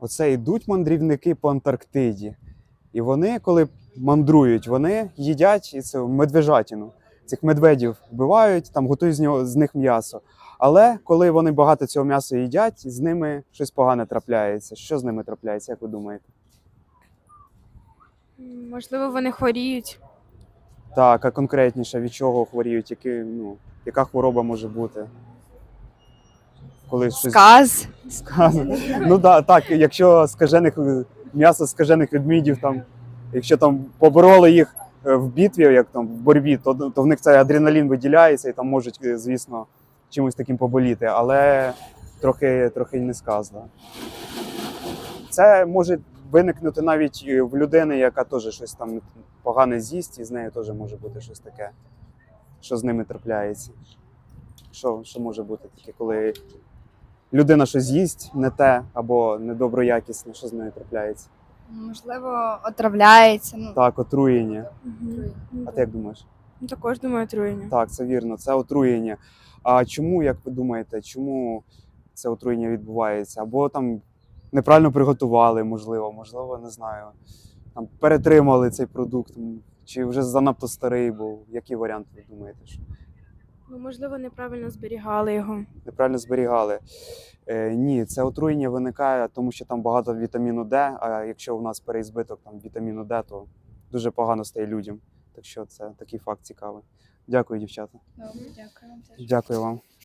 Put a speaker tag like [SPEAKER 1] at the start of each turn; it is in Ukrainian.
[SPEAKER 1] Оце йдуть мандрівники по Антарктиді. І вони, коли мандрують, вони їдять цю медвежатину. Цих медведів вбивають, там готують з них м'ясо. Але коли вони багато цього м'яса їдять, з ними щось погане трапляється. Що з ними трапляється, як ви думаєте?
[SPEAKER 2] Можливо, вони хворіють.
[SPEAKER 1] Так, а конкретніше, від чого хворіють, яка хвороба може бути? Коли щось
[SPEAKER 2] Сказ.
[SPEAKER 1] сказано. Ну так, якщо м'ясо скажених ведмідів, якщо там побороли їх в битві, як там в боротьбі, то в них цей адреналін виділяється і там можуть, звісно, чимось таким поболіти, але трохи й не сказано. Це може виникнути навіть в людини, яка теж щось там погане з'їсть, і з нею теж може бути щось таке, що з ними трапляється. Що може бути таке, коли людина щось їсть не те або недоброякісне, що з нею трапляється?
[SPEAKER 3] Можливо, отравляється.
[SPEAKER 1] Так, отруєння.
[SPEAKER 2] Угу.
[SPEAKER 1] А ти як думаєш?
[SPEAKER 2] Також думаю, отруєння.
[SPEAKER 1] Так, це вірно, це отруєння. А чому, як ви думаєте, чому це отруєння відбувається? Або там неправильно приготували, можливо, не знаю. Там перетримали цей продукт, чи вже занадто старий був. Який варіант ви думаєте? Що?
[SPEAKER 2] Можливо, неправильно зберігали його.
[SPEAKER 1] Неправильно зберігали. Ні, це отруєння виникає, тому що там багато вітаміну Д, а якщо у нас переізбиток вітаміну Д, то дуже погано стає людям. Так що це такий факт цікавий. Дякую, дівчата.
[SPEAKER 3] Добре, дякую вам теж.
[SPEAKER 1] Дякую вам.